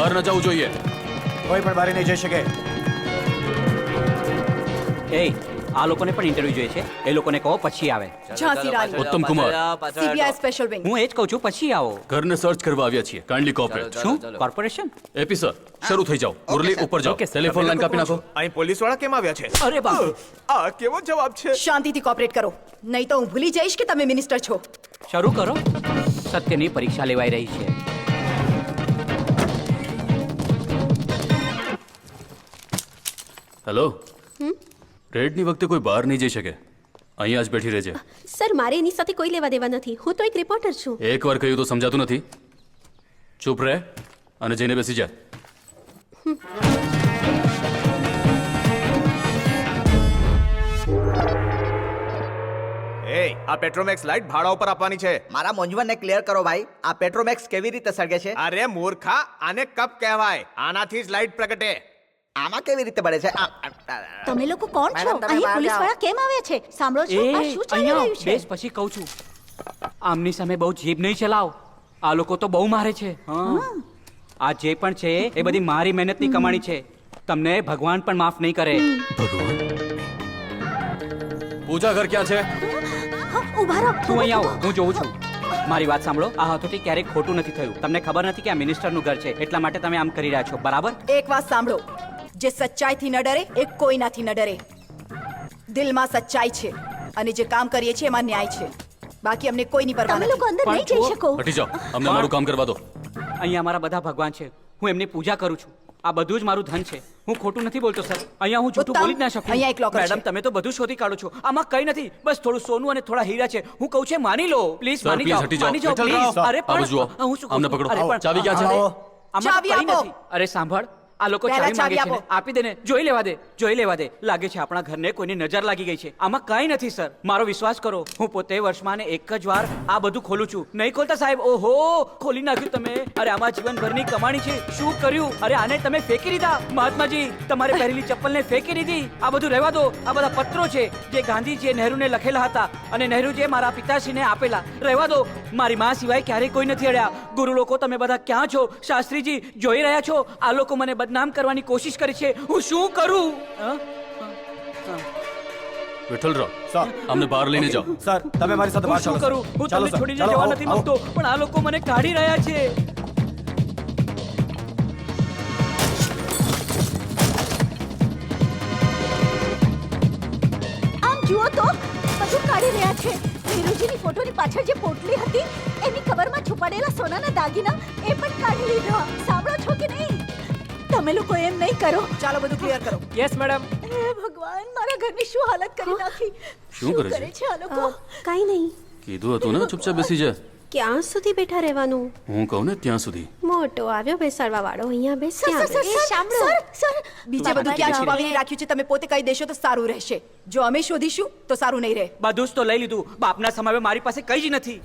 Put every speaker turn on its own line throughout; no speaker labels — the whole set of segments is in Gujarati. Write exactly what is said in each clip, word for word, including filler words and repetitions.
બહાર ન જવું જોઈએ.
કોઈ પણ બહાર નહીં જઈ શકે.
એ આ લોકોને પણ ઇન્ટરવ્યુ જોઈએ છે. એ લોકોને કહો પછી આવે.
ઝાંસી રાણી,
ઉત્તમ કુમાર,
સીબીઆઈ સ્પેશિયલ વિંગ.
હું એ જ કહું છું પછી આવો.
ઘરને સર્ચ કરવા આવ્યા છીએ. Kindly cooperate.
શું કોર્પોરેશન?
એપી સર, શરૂ થઈ જાઓ. મુરલી ઉપર જાઓ. ટેલિફોન લાઈન કાપી નાખો.
અહીં પોલીસ વાળા કેમ આવ્યા છે?
અરે બાપ,
આ કેવો જવાબ છે?
શાંતિથી કોઓપરેટ કરો, નહીં તો હું ભૂલી જઈશ કે તમે મિનિસ્ટર છો.
શરૂ કરો. સત્યની પરીક્ષા લેવાઈ રહી છે.
હેલો. રેડની વખતે કોઈ બહાર નહીં જઈ શકે. અહીંયા જ બેઠી રહેજે.
સર, મારે એની સાથે કોઈ લેવા દેવા નથી. હું તો એક રિપોર્ટર છું.
એકવાર કહ્યું તો સમજાતું નથી. ચૂપ રહે અને જઈને બેસી જા.
એ આ પેટ્રોમેક્સ લાઈટ ભાડા ઉપર આપવાની છે.
મારા મૂંઝવણને ક્લિયર કરો ભાઈ. આ પેટ્રોમેક્સ કેવી રીતે સળગે છે?
અરે મૂર્ખા, આને કપ કહેવાય. આનાથી જ લાઈટ પ્રગટે.
આમાં કેવી રીતે બળે છે? આ- આ- આ-
તમે લોકો કોણ છો?
મેડમ, તમે
અહીં
બહાર
પોલીસ
જાઓ.
વાળા કેમ આવ્યા છે? સાંભળો
એ
છો, આ શું ચાલી
અહીંયા
રહ્યું છે?
બેસ પછી કહું છું. આમની સામે બહુ જીભ નહીં ચલાવ. આ લોકો તો બહુ મારે છે. હા. આ જે પણ છે એ બધી મારી મહેનતની કમાણી છે. તમને ભગવાન પણ માફ નહીં કરે.
ભગવાન. પૂજા ઘર ક્યાં છે?
હા, ઊભા રહો.
તું અહીં આવો, હું જોઉં છું. મારી વાત સાંભળો. આ હથોટી ક્યારેક ખોટું નથી થયું. તમને ખબર નથી કે આ મિનિસ્ટરનું ઘર છે, એટલા માટે તમે આમ કરી રહ્યા છો, બરાબર?
એક વાત સાંભળો, જે સચ્ચાઈથી ન ડરે એ કોઈનાથી ન ડરે. દિલમાં સચ્ચાઈ છે અને જે કામ કરીએ છીએ એમાં ન્યાય છે. બાકી અમને કોઈની પરવા
તમે લોકો
નથી.
અંદર નહીં જઈ શકો.
હટી જાઓ. અમને મારું કામ કરવા દો.
અહીંયા મારા બધા ભગવાન છે. હું એમની પૂજા કરું છું. આ બધું જ મારું ધન છે. હું ખોટું નથી બોલતો સર. અહીંયા હું જૂઠું
ઉત્તમ,
બોલી જ ના શકું.
અહીંયા એક locker
મેડમ,
છે.
તમે તો બધું શોધી કાઢો છો. આમાં કઈ નથી, બસ થોડું સોનું અને થોડા હીરા છે. હું કહું છું માની લો પ્લીઝ.
સર,
માની
please
જાઓ,
હટી જાઓ.
માની જાઓ,
વિઠ્ઠલ
please.
રાવ,
અરે
આવો જુઓ.
પણ હું શું કહું
અમને
છું?
પકડો.
અરે પણ-
ચાવી ક્યાં છે?
અરે,
આવો.
આમાં
ચાવી
કંઈ
આપો.
નથી. અરે સાંભળ, આ લોકો
પહેલા
ચાવી માંગે
ચાવી
છે ને.
આપો.
આપી દે ને. જોઈ લેવા દે, જોઈ લેવા દે. લાગે છે આપણા ઘરને કોઈની નજર લાગી ગઈ છે. આમાં કઈ નથી સર, મારો વિશ્વાસ કરો. હું પોતે વર્ષમાં ને એક જ વાર આ બધું ખોલું છું. નહીં ખોલતા સાહેબ? ઓહો, ખોલી નાખ્યું તમે. અરે આમાં જીવનભરની કમાણી છે. શું કર્યું? અરે આને તમે ફેંકી દીધા. મહાત્માજી, તમારે પહેરેલી ચપ્પલને ફેંકી દીધી. આ બધું રહેવા દો. આ બધા પત્રો છે જે ગાંધીજીએ નહેરુને લખેલા હતા અને નહેરુજીએ મારા પિતાશ્રીને આપેલા. રહેવા દો. મારી માં સિવાય ક્યારેય કોઈ નથી અડ્યા. ગુરુ લોકો, તમે બધા ક્યાં છો? શાસ્ત્રીજી, જોઈ રહ્યા છો? આ લોકો મને બદનામ કરવાની કોશિશ કરી છે. હું શું કરું? હા?
વિઠ્ઠલ રાવ,
સર,
અમને બહાર લઈને જાઓ.
સર, તમે મારી સાથે
હું
બહાર
શું
ચાલો,
કરું?
સર.
હું
ચાલો,
તમને
સર.
છોડીને
ચાલો,
જવા
આવો,
નથી
આવો.
માંગતો, પણ આ લોકો મને કાઢી રહ્યા છે.
આમ જુઓ તો, બધું કાઢી રહ્યા છે. નેહરુજીની ફોટોની પાછળ જે પોટલી હતી એની કવરમાં છુપાડેલા સોનાના દાગીના એ પણ કાઢી લીધા. સાંભળો છો કે નહીં? તમે લોકો એમ નહીં કરો.
ચાલો બધું ક્લિયર કરો.
Yes madam.
હે ભગવાન, મારા ઘરની શું હાલત કરી નાખી.
શું કરે છે?
છે આ લોકો? કાઈ નહીં.
કીધું હતું ને ચૂપચાપ બેસી જા.
ક્યાં સુધી બેઠા રહેવાનું?
હું કહું ને ત્યાં સુધી.
મોટો આવ્યો બેસાડવા વાળો. અહીંયા બેસ.
સર,
ત્યાં
સર,
બેસ.
સર,
એ સાંભળો.
સર, બીજે બધું ક્યાં છુપાવીને રાખ્યું છે તમે પોતે કહી દેશો તો સારું રહેશે. જો અમે શોધીશું તો સારું નહીં રહે.
બધું જ તો લઈ લીધું. બાપના સમયે મારી પાસે કઈ જ નથી.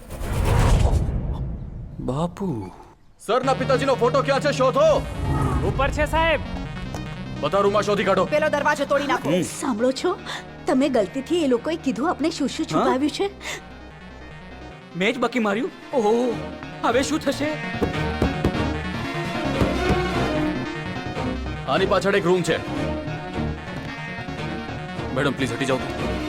બાપુ, સરના પિતાજીનો ફોટો ક્યાં છે? શોધો.
ઉપર છે સાહેબ.
બધા રૂમમાં શોધી કાઢો.
પેલો દરવાજો તોડી નાખો.
સાંભળો છો? તમે ગલતીથી એ લોકોએ કીધું આપણે શું શું છુપાવ્યું છે.
મેં જ બકી માર્યું. ઓહો, હવે શું થશે?
આની પાછળ એક રૂમ છે. મેડમ પ્લીઝ હટી જાઓ.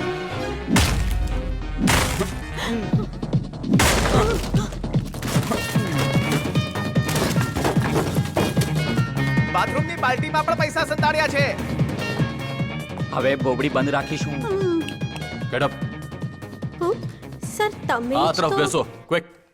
બાથરૂમની બાલ્ટીમાં પણ પૈસા સંતાડ્યા છે.
હવે બોબડી બંધ રાખીશું.
Get up.
હું? સર, તમે
આ
જ
તરફ
તો-
બેસો. ક્વિક.